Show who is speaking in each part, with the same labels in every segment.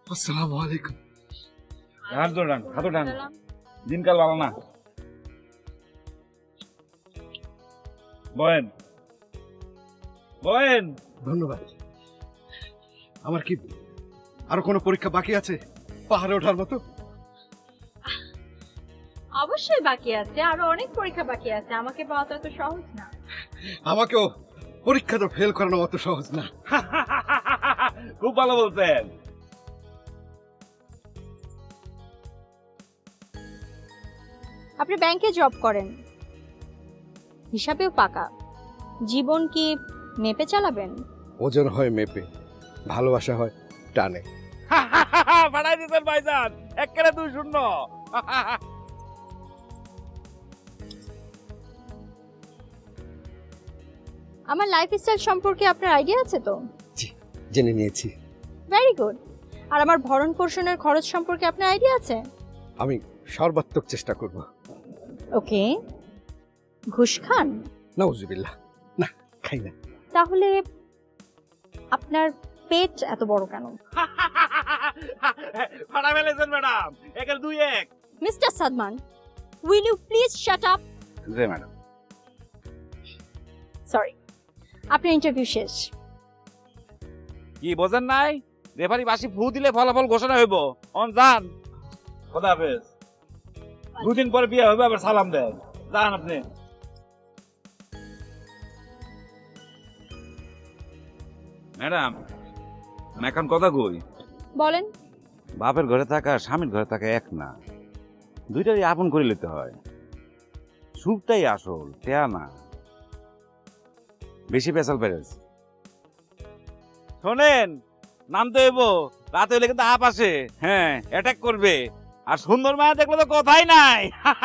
Speaker 1: আসসালামু আলাইকুম।
Speaker 2: হাত ডান দিনকাল ভালো না। বয়েন বয়েন।
Speaker 1: ধন্যবাদ। আমার কি আরো কোনো পরীক্ষা বাকি আছে পাহাড়ে ওঠার মতো?
Speaker 3: অবশ্যই বাকি আছে, আরো অনেক পরীক্ষা বাকি আছে। আমাকে পাওয়া তো এত সহজ না।
Speaker 1: আমাকেও পরীক্ষা তো ফেল করানো অত সহজ না।
Speaker 2: খুব ভালো বলতেন।
Speaker 3: আপনি ব্যাংকে জব করেন, হিসাবেও পাকা। জীবন কি মেপে চালাবেন?
Speaker 1: ওজন হয় মেপে, ভালোবাসা হয় টানে।
Speaker 2: বাড়াই দিতেন ভাইজান, একেবারে 2-0।
Speaker 3: আমার লাইফস্টাইল সম্পর্কে আপনার আইডিয়া আছে তো?
Speaker 1: জি, জেনে নিয়েছি।
Speaker 3: Very good. আর আমার ভরণ পোষণের খরচ সম্পর্কে আপনার আইডিয়া আছে?
Speaker 1: আমি সর্বাত্মক চেষ্টা করব।
Speaker 3: ওকে। ঘুষ খান?
Speaker 1: নাউজুবিল্লাহ, না খাই না।
Speaker 3: তাহলে আপনার পেট এত বড় কেন?
Speaker 2: ফাটা ফেলেছেন madam, 1-2-1।
Speaker 3: Mister Sadman, will you please shut up?
Speaker 2: জি ম্যাডাম।
Speaker 3: সরি, আপনার ইন্টারভিউ শেষ।
Speaker 2: কি বোঝেন নাই? রেফারি বাসি ফু দিলে ফলাফল ঘোষণা হইব। অন যান। খোদা হাফেজ। 2 দিন পরে বিয়ে হবে, আবার সালাম দেন। যান আপনি। ম্যাডাম, আমি এখন কথা কই।
Speaker 3: বলেন।
Speaker 2: বাপের ঘরে থাকা স্বামীর ঘরে থাকা এক না, দুইটারই আপন করে নিতে হয়। সুখটাই আসল, টেয়া না। বেশি পেশাল পেরেছ। শোনেন, নামতে হইব। রাতে হইলে কিন্তু আপ আসে, হ্যাঁ অ্যাটাক করবে। আর সুন্দর মায়া দেখলে তো কথাই নাই।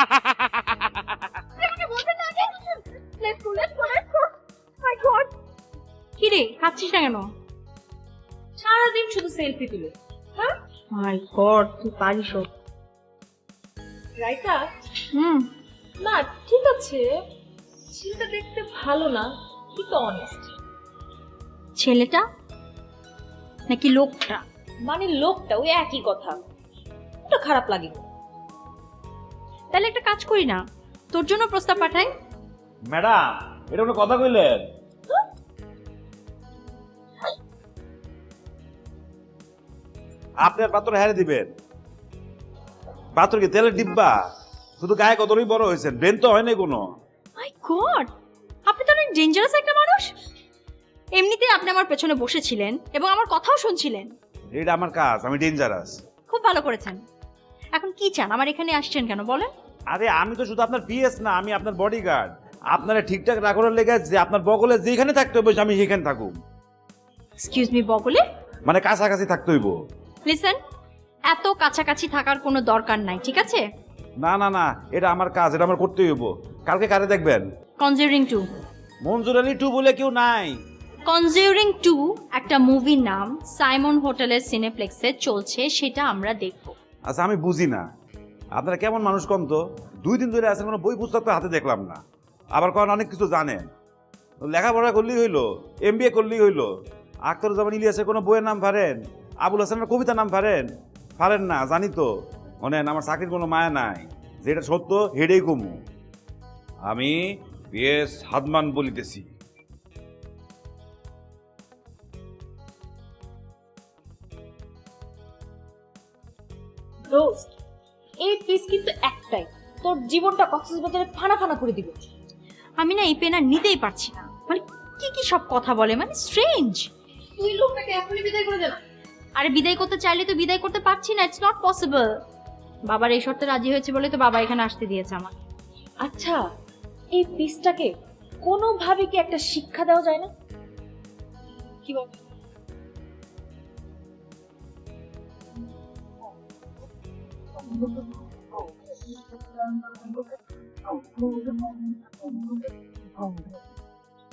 Speaker 3: কিরে খাচ্ছিস না কেন?
Speaker 4: সারাদিন শুধু সেলফি তুলে।
Speaker 3: মাই গড, তুই পারিস।
Speaker 4: রাইটা না ঠিক আছে, ছেলেটা দেখতে ভালো না কিন্তু অনেস্ট।
Speaker 3: ছেলেটা নাকি লোকটা?
Speaker 4: মানে লোকটা ওই একই কথা, ওটা খারাপ লাগে।
Speaker 3: তাহলে একটা কাজ করি না, তোর জন্য প্রস্তাব পাঠাই।
Speaker 2: ম্যাডাম, এটা কোনো কথা কইলেন? আপনি আর পাত্র হারে দিবেন? পাত্র কি তেলের ডিব্বা? শুধু গায়ে কতই বড় হয়েছেন, ব্রেন তো হয় নাই কোনো।
Speaker 3: মাই গড, আপনি তো অনেক ডেঞ্জারাস একটা মানুষ। এমনিতেই আপনি আমার পেছনে বসেছিলেন এবং আমার কথাও শুনছিলেন।
Speaker 2: এটা আমার কাজ, আমি ডেঞ্জারাস।
Speaker 3: খুব ভালো করেছেন। এখন কি চান? আমার এখানে আসছেন কেন বলেন?
Speaker 2: আরে আমি তো শুধু আপনার পিএস না, আমি আপনার বডিগার্ড। আপনারা ঠিকঠাক রাখার লেগে যে আপনার বগলে যেখানে থাকতে হবে আমি সেখানে থাকুম।
Speaker 3: এক্সকিউজ মি, বগলে?
Speaker 2: মানে কাছাকাছি থাকতে হইব।
Speaker 3: লিসেন, এত কাছাকাছি থাকার কোনো দরকার নাই, ঠিক আছে?
Speaker 2: না না না, এটা আমার কাজ, এটা আমার করতে হইব। কালকে কারে দেখবেন?
Speaker 3: কনজিউরিং 2।
Speaker 2: মনজুর আলী 2 বলে কেউ নাই।
Speaker 3: কনজিউরিং 2 একটা মুভির নাম, সাইমন হোটেলের সিনেপ্লেক্সে চলছে, সেটা আমরা দেখব।
Speaker 2: আচ্ছা আমি বুঝি না, আপনারা কেমন মানুষ কম তো? 2 দিন ধরে আছেন, কোনো বই পুস্তক তো হাতে দেখলাম না। আবার কারণ অনেক কিছু জানেন, লেখাপড়া করলেই হইলো, এমবিএ করলেই হইলো। আখতারুজ্জামান ইলিয়াসের কোনো বইয়ের নাম পারেন? আবুল হাসানের কবিতার নাম পারেন? পারেন না, জানি তো। শোনেন, আমার চাকরির কোনো মায়া নাই, যেটা সত্য হেডেই কমু। আমি পিএস সাদমান বলিতেছি।
Speaker 4: দোস্ত, এই পিস কিন্তু একটাই, তোর জীবনটা কক্সবাজারে ফানা ফানা করে দিবে।
Speaker 3: আমি না এই পেন আর নিতেই পারছি না। মানে কি কি সব কথা বলে, মানে স্ট্রেঞ্জ।
Speaker 4: তুই লোকটাকে এখনই বিদায় করে দে না।
Speaker 3: আরে বিদায় করতে চাইলে তো বিদায় করতে পারছি না, ইটস নট পসিবল। বাবার এই শর্তে রাজি হয়েছে বলে তো বাবা এখানে আসতে দিয়েছে আমাকে।
Speaker 4: আচ্ছা, এই পিসটাকে কোনোভাবে কি একটা শিক্ষা দেওয়া যায় না? কি বল?
Speaker 1: Oh,